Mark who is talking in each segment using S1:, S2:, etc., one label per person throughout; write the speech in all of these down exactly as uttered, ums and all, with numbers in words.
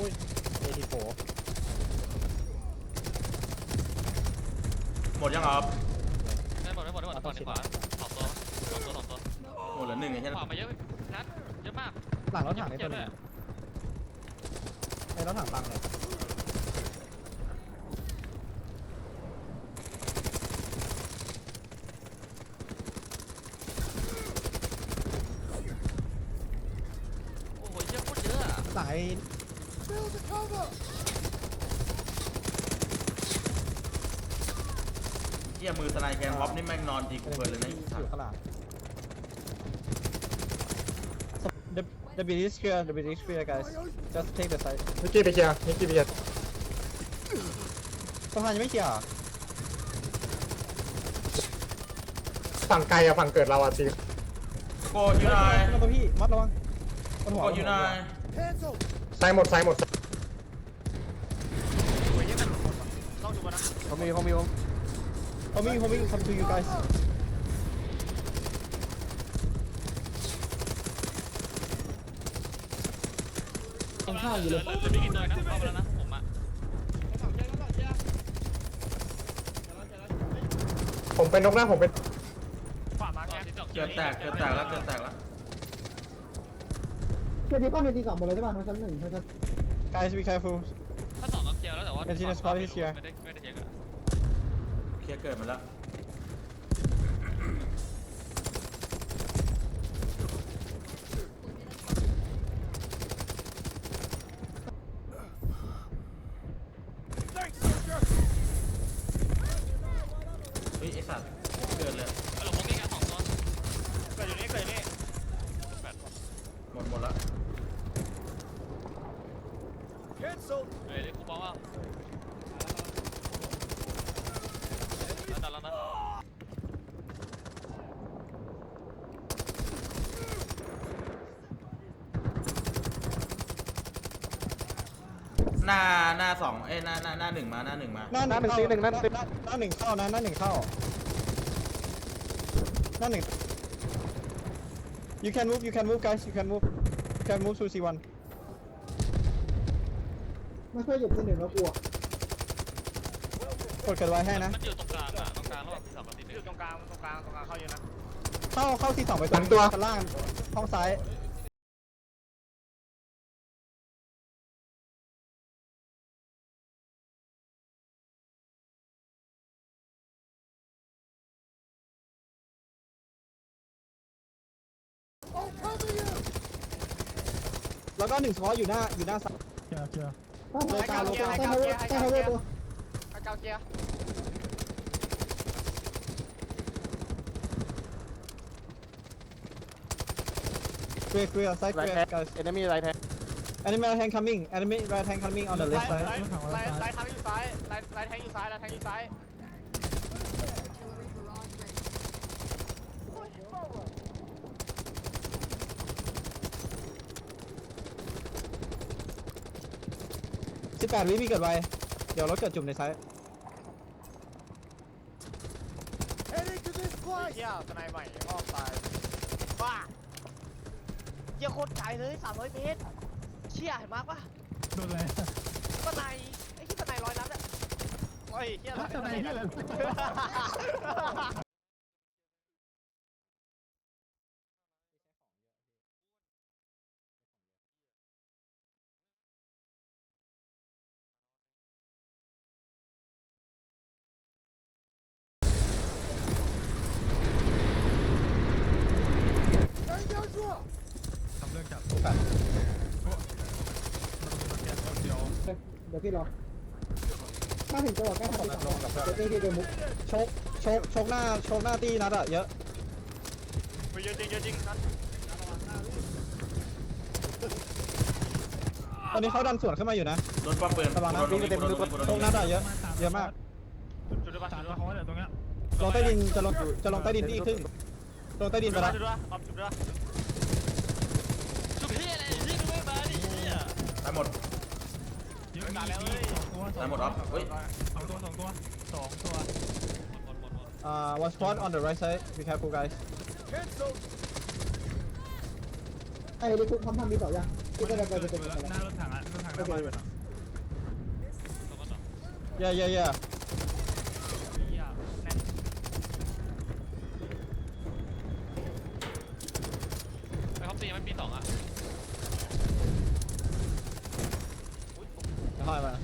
S1: อุ้ยเอทีโฟ
S2: หมดยังครับ
S3: ได้หมดได้หมดได้หมดฝั่งนี้ขวาสองตัวสองตัวสองตัว
S2: หมดเหลือหนึ่งไอ้เหี้ย
S3: ขวามาเยอะนัดเยอะมาก
S1: หลังรถถังนี่ตัวนึงไอ้รถถังตังเลย
S3: โอ้โหเยอะโคตรเยอะอะ
S1: หลังไอ้
S2: เหี้ยมือสไนแกมบ๊อบนี่แม่งนอนดีกูเปิดเลยนะ
S1: อยู่ข้างหลัง The the bit is clear the bit is clear guys just take the side
S4: นิกกี้ไปเคลียร์นิกกี้ไปเคลียร์
S1: สะพานยังไม่เคลียร์เหรอ
S4: ฝั่งไกลอะฝั่งเกิดเราอะตี
S2: โกอยู่ไหน
S1: มาตัวพี่มัดระวังบนหัว
S2: โกอยู่ไหน
S4: ไซหมดไซหมด
S3: ต้องดูกันนะ
S1: เขามีเขามีเขามีเขามี come to you guys
S3: ต้องข้าวอยู่เลยจะไม่กินเลยนะเข้าไปแล้วนะผมอ่ะ
S4: ผมเป็นนกนะผมเป็น
S3: ขวามาแก
S2: เกิดแตกเกิดแตกแล้วเกิดแตกแล้ว
S5: เทียร์ดีป้อมเป็นทีสองหมดเลยใช่ป่ะทั้งชั้นหนึ่งทั้งชั้น
S1: guys be careful
S3: ถ้าสองก็เคลียร์แล้วแต่ว่าไม่ได้ไม่ได้เช็คอะ
S2: เคลียร์เกิดมาแล้วเฮ้ยไอ้สัตว์เกิดเลย
S3: เราคงมีแค่สองตัวเกิดอยู่นี่เกิดอยู่นี่
S2: หมดหมดแล้ว
S3: เฮ้ยกูบอกว่าแล้วแล้วนะ
S2: หน้าหน้าสองเอ้ยหน้าหน้าหน้าหนึ่งมาหน้าหนึ่งมา
S1: หน้าหนึ่งตีหนึ่งหน้าหน้าหนึ่งเข้านะหน้าหนึ่งเข้าหน้าหนึ่ง you can move you can move guys you can move you can move to ซี วัน
S5: ไม่ช่วยหยุดที่หนึ่งแล้วกลัว
S1: กดกันไว้ให้นะ
S3: มันอยู่ตรงกลางอ่ะตรงกลางระหว่างที่สองกับที่หนึ่งอยู่ตรงกลางตรงกลางตรงกลางเข้าเยอะนะ
S1: เข้าเข้าที่สองไปตรงชั้นล่างห้องซ้ายแล้วก็หนึ่งสปอตอยู่หน้าอยู่หน้าซ้าย
S5: ใต้ใต้ใต้ใต้ใต้เวตัว
S3: ไอ้เกาเกียร์
S1: เคลียร์เคลียร์ซ้ายเคลียร์ guys
S6: enemy right hand
S1: enemy right hand coming enemy right hand coming on the left side
S3: ไล่ไล่ทางอยู่ซ้ายไล่ไล่แทงอยู่ซ้ายไล่แทงอยู่ซ้าย
S1: สิบแปดวิมีเกิดไวเดี๋ยวรถเกิดจุ่มในซ้าย
S3: เหี้ยสไนใหม่อ้อมตายบ้าเหี้ยโคตรไกลเลยสามร้อยเมตรเชี่ยเห็นมากปะโดนอะไรสไนไอ้ที่สไนร้อยนัดอะโอ้ยเหี้ยสไนเหี้ย
S5: เดี๋ยวพี่รอถ้าถึงจังหวะใกล้ทำลงกับเดี๋ยวพี่เดี๋ยวมุก
S1: ชกชกชกหน้าชกหน้าตีนัดอะเยอะ
S3: ไปเยอะจริงเยอะจริงนัด
S1: ตอนนี้เขาดันสวนขึ้นมาอยู่นะ
S2: รถปั๊มปืน
S1: ระวังนะวิ่งไปเต็มเลยชกนัดอะเยอะเยอะมาก
S3: จุดด้วยป่ะจุดด้วย
S1: ลงใต้ดินจะลงจะลงใต้ดินที่ขึ้นลงใต้ดินไปแล้ว
S3: จุดด้วยปั๊มจุดด้วยจุดเฮียอะไรที่ไม่มาดิเฮีย
S2: ตายหมด
S3: มาแล้วเฮ้ย
S2: ตายหมดครับเฮ้ย
S3: สองตัวสองตัวสองตัว
S1: อ่า one spot on the right side be careful guys
S5: ไอ้ดิคุกทำทำมีต่อยังคิดว่าจะไปจะเป็นอะไร
S7: หน้ารถถังอะรถถัง
S5: โอเค
S1: yeah yeah yeah
S6: ไอ้คอปตีมันปีสองอ่ะ
S1: ค่อยมา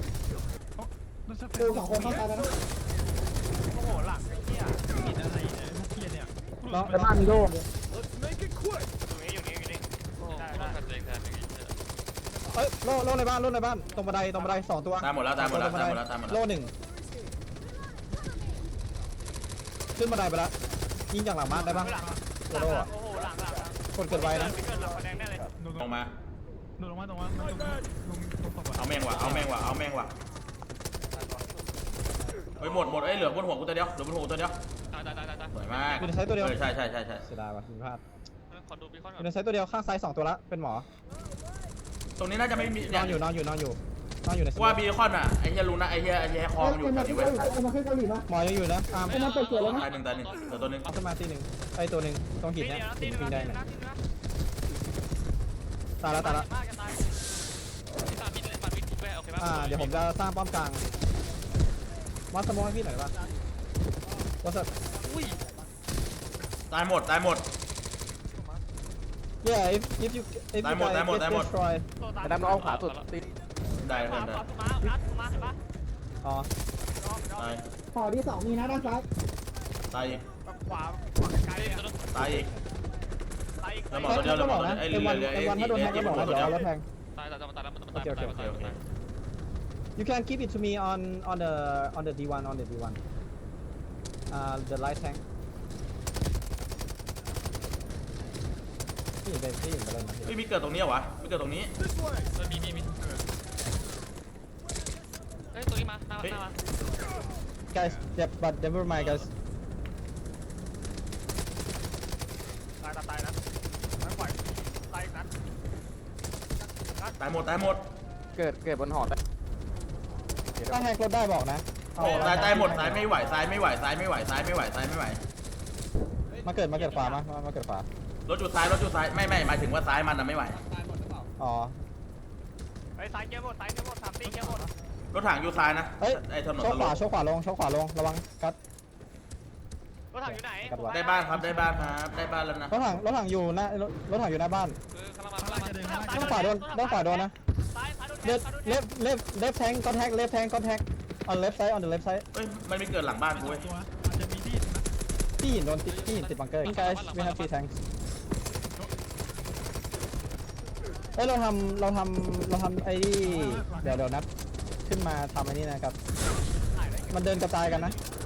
S5: ดูสองคนเข้าตายแล้วนะ
S3: โอ้โหหลังไอ้เหี้ย
S1: น้อง
S5: ในบ้านมีโล่
S3: อยู่นี่อยู่นี่อยู่นี่
S6: โอ้โหขัดเองแทนอย่างงี้
S1: เอ้ยโล่โล่ในบ้านโล่ในบ้านตรงบันไดตรงบันไดสองตัว
S2: ตายหมดแล้วตายหมดแล้ว
S1: ตรงบัน
S2: ตาย
S1: ได
S2: หมดแล้วตายหมดแล้ว
S1: โล่หนึ่งขึ้นบันไดไปแล้วยิงจากหลังบ้านได้ปะ
S3: หลัง
S1: โล่อะ
S3: โอ้โหหลังหลังหลัง
S1: กดเกิดไว้นะ
S3: เกิดหลังคะแนนแน่เลย
S2: ลงมา
S7: โดนลงมาตรงว่ามันตรงลงตรงตก
S2: เอาแม่งว่ะเอาแม่งว่ะเอาแม่งว่ะเฮ้ยหมดหมดเอ้ยเหลือบนหัวกูตัวเดียวเหลือบนหัวกูตัวเดียว
S6: ตายตายตายตาย
S2: สวยมาก
S1: อยู่ในไซต์ตัวเดียว
S2: ออใช่ใช่ใช่ใช่
S1: เสียดายว่ะมีพลาด
S6: ขอดูบีคอน
S1: อ
S6: ก่อน
S1: ยู่ในไซต์ตัวเดียวข้างซ้ายสองตัวละเป็นหมอ
S2: ตรงนี้น่าจะไม่มี
S1: นอนอยู่นอนอยู่นอนอยู่นอนอยู่ใน
S2: ว่าบีคอนอ่ะไอ้เฮียรู้นะไอ้เฮียไอ้เฮียคอมันอยู่
S5: เอา
S2: แถ
S5: มาว ขึ้
S2: นี้
S5: น
S2: เว้ย
S5: เอามาขึ้นเกาหลีมา
S1: หมอยังอยู่นะอาร์ม
S5: เอามาเปิดเกิดแล้วนะ
S2: ตายหนึ่งตายหนึ่งเหลือตัวหนึ่ง
S1: เอาขึ้นมาตีหนึ่งไอตัวหนึ่งตรงหินเนี่ย
S3: ตี
S1: หิน
S3: หนึ่
S1: หิ
S3: ง
S1: นแด
S3: ตี
S1: ง
S3: หนึ่ง
S1: เนี่ย
S3: ตีหนึ่งนะ
S1: ตายแล้วตายแล้ว
S3: มากจะตาย
S6: ที่ตามพี่เลยปาดวิกแวโอเคป่ะ
S1: อ่าเดี๋ยวผมจะสร้างป้อมกลางวัดสมองให้พี่หน่อยได้ปะวัดสัต
S6: อุ้ย
S2: ตายหมดตายหมด
S1: yeah if if you if
S2: ตาย
S1: you
S2: หมด
S1: guys
S2: ตายหมด
S1: get
S2: ตายหมด
S1: destroy
S3: ตัวตาย
S6: แต่ดำน้องขวาสุดตี
S2: ได้
S3: ข
S2: ได้
S3: วา
S2: ได้
S3: ขวามารัดมาเห็นปะ
S1: อ๋อ
S2: ตาย
S5: ขอที่สองมีนะด้านซ้าย
S2: ตายอีก
S3: ขวาขวาไกลเลย
S2: ตายอีก
S3: ตายอีก
S2: แล้วหมอตัวเดียว
S1: ก็บอกนะ
S2: ไอ้
S1: เอ็มวัน
S2: เหลือ
S1: เอ็มวันถ้าโดนแทงก็บอกนะเดี๋ยวเอารถแทง
S6: ตายตายตายแล้วมันตายตายตายตาย
S1: you can keep it to me on on the on the ดี วัน on the ดี วัน uh the light tank พี่เดินพี่อยู่ไปเลยนะ
S2: เฮ้ยมีเกิดตรงนี้เหรอวะมีเกิดตรงนี้
S6: เออมีมีมีเฮ้ยตัวนี้มาหน้าหน้ามา
S1: guys yep but never mind guys
S3: ตายตายนะไม่ไหวตายอีกนัด
S2: ตายหมดตายหมด
S6: เกิดเกิดบนหอได้
S1: ถ้าแฮกรถได้บอกนะเอา
S2: โอ้
S1: เอา
S2: ตายตายหมดซ้ายไม่ไหวซ้ายไม่ไหวซ้ายไม่ไหวซ้ายไม่ไหวซ้ายไม่ไหว
S1: มาเกิดมาเกิดขวามามามาเกิดขวาร
S2: ถจุดซ้ายรถจุดซ้ายไม่ไม่หมายถึงว่าซ้ายมันนะไม่ไหว
S1: อ๋อ
S3: ไอ้สายเกียร์หมดสายเกียร์หมดสามตีเกียร์หมด
S2: รถถังอยู่ซ้ายนะ
S1: เฮ้ย
S2: ไอ้ถนน
S1: โช
S2: ต
S1: กข
S2: ล
S1: วาก โชกขวาลงโชกขวาลงระวังกัด
S3: รถถังอยู่ไหน
S2: ได้บ้านครับได้บ้านครับได้บ้านแล้วนะ
S1: รถถังรถถังอยู่หน้ารถรถถังอยู่หน้าบ้าน
S6: คือข้างล่างข้างล่าง
S7: จะเดินได้
S1: ด้านขวาโดนด้านขวาโดนนะ
S3: ซ้ายซ้ายโดนแท
S1: เล็
S3: ง
S1: บ
S3: ซ้ายโดนแท
S1: เล็
S3: ง
S1: บเล็บเล็บแทงคอนแทคเล็บแทงคอนแทค on left side on the left side
S2: เอ้ยมันมีเกิดหลังบ้านกูเว้ย
S7: ตัวอาจจะมีที่นะ
S1: ที่หินโดนติดที่หินติดบังเกอร์ guys we have three tanks เอ้ยเราทำเราทำเราทำไอ้นี่เดี๋ยวเดี๋ยวนัดขึ้นมาทำไอ้นี่นะครับ มันเดินกระจายกันนะ